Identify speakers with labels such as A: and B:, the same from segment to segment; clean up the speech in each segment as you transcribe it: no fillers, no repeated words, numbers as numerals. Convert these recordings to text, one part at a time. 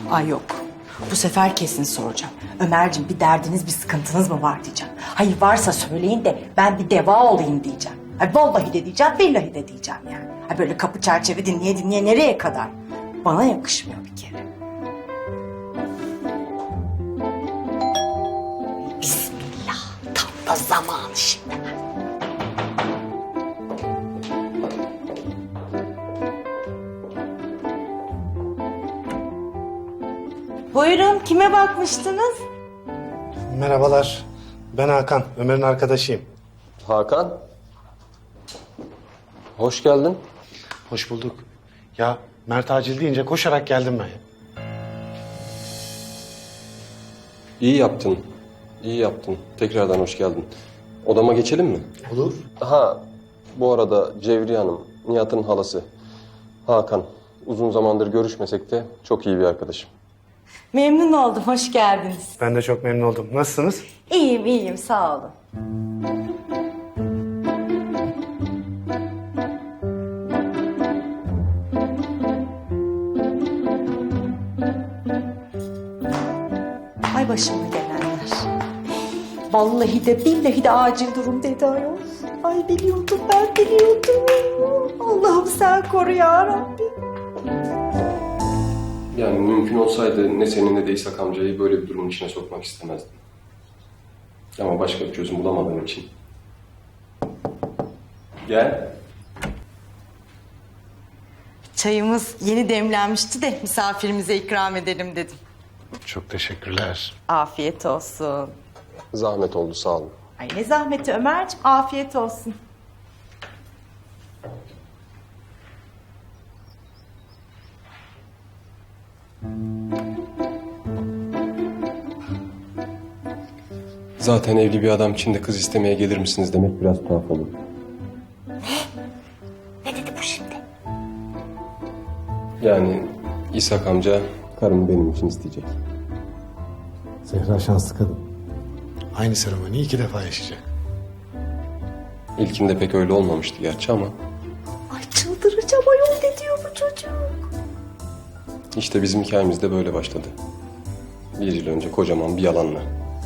A: Ay yok. Bu sefer kesin soracağım. Ömerciğim bir derdiniz, bir sıkıntınız mı var diyeceğim. Hayır varsa söyleyin de ben bir deva olayım diyeceğim. Ay vallahi de diyeceğim, billahi de diyeceğim yani. Ay böyle kapı çerçeve dinleye dinleye nereye kadar? Bana yakışmıyor bir kere. Bismillah. Tam da zamanı şimdi. Buyurun, kime bakmıştınız?
B: Merhabalar. Ben Hakan. Ömer'in arkadaşıyım.
C: Hakan. Hoş geldin.
B: Hoş bulduk. Ya Mert acil deyince koşarak geldim ben.
C: İyi yaptın. İyi yaptın. Tekrardan hoş geldin. Odama geçelim mi?
B: Olur.
C: Ha, bu arada Cevriye Hanım, Nihat'ın halası. Hakan, uzun zamandır görüşmesek de çok iyi bir arkadaşım.
A: Memnun oldum, hoş geldiniz.
B: Ben de çok memnun oldum. Nasılsınız?
A: İyiyim, iyiyim, sağ olun. Ay başıma gelenler. Vallahi de billahi de acil durum dedi ayol. Ay biliyordum, ben biliyordum. Allah'ım sen koru ya Rabbim.
C: Yani mümkün olsaydı ne senin ne de İshak amcayı böyle bir durumun içine sokmak istemezdim. Ama başka bir çözüm bulamadığım için. Gel.
A: Çayımız yeni demlenmişti de misafirimize ikram edelim dedim.
B: Çok teşekkürler.
A: Afiyet olsun.
C: Zahmet oldu, sağ olun.
A: Ay ne zahmeti Ömerciğim, afiyet olsun.
C: Zaten evli bir adam için de kız istemeye gelir misiniz demek biraz tuhaf olur.
A: Ne dedi bu şimdi?
C: Yani İshak amca karımı benim için isteyecek.
B: Zehra şanslı kadın. Aynı seremoniyi 2 defa yaşayacak.
C: İlkinde pek öyle olmamıştı gerçi ama
A: Ay çıldıracağım ayol, ne diyor bu çocuk?
C: işte bizim hikayemiz de böyle başladı. 1 yıl önce kocaman bir yalanla.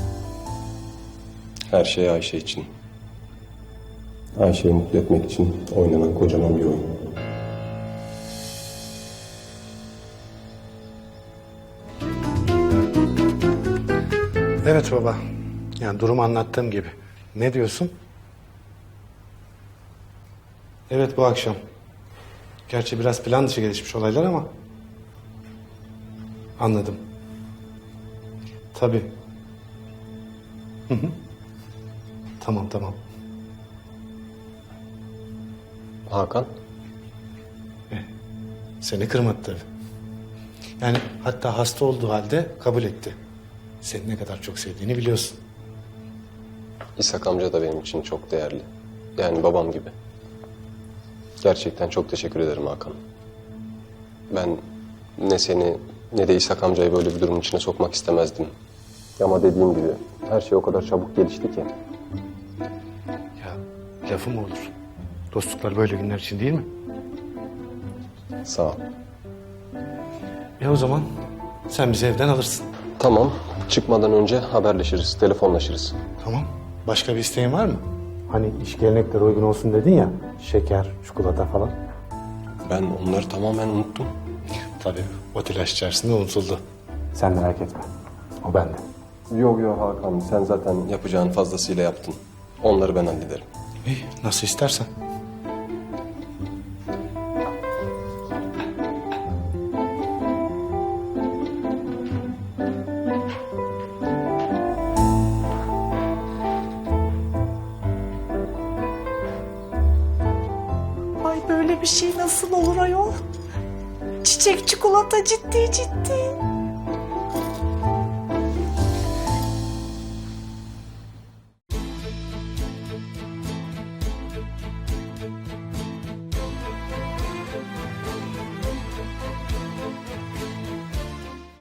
C: Her şey Ayşe için. Ayşe'yi mutlu etmek için oynanan kocaman bir oyun.
B: Evet baba. Yani durumu anlattığım gibi. Ne diyorsun? Evet bu akşam. Gerçi biraz plan dışı gelişmiş olaylar ama. Anladım. Tabii. Hı hı. Tamam tamam.
C: Hakan,
B: Seni kırmadı tabii. Yani hatta hasta olduğu halde kabul etti. Seni ne kadar çok sevdiğini biliyorsun.
C: İshak amca da benim için çok değerli. Yani babam gibi. Gerçekten çok teşekkür ederim Hakan. Ben ne seni ne de İshak amcayı böyle bir durumun içine sokmak istemezdim. Ama dediğim gibi her şey o kadar çabuk gelişti ki.
B: Ya lafı mı olur? Dostluklar böyle günler için değil mi?
C: Sağ ol.
B: O zaman sen bizi evden alırsın.
C: Tamam, çıkmadan önce haberleşiriz, telefonlaşırız.
B: Tamam. Başka bir isteğin var mı? Hani iş geleneklere uygun olsun dedin ya. Şeker, çikolata falan.
C: Ben onları tamamen unuttum.
B: Tabii o telaş içerisinde unutuldu. Sen merak etme. O bende.
C: Yok yok Hakan, sen zaten yapacağın fazlasıyla yaptın. Onları ben hallederim.
B: İyi, nasıl istersen.
A: Ay böyle bir şey nasıl olur ayol? Çiçek çikolata ciddi ciddi.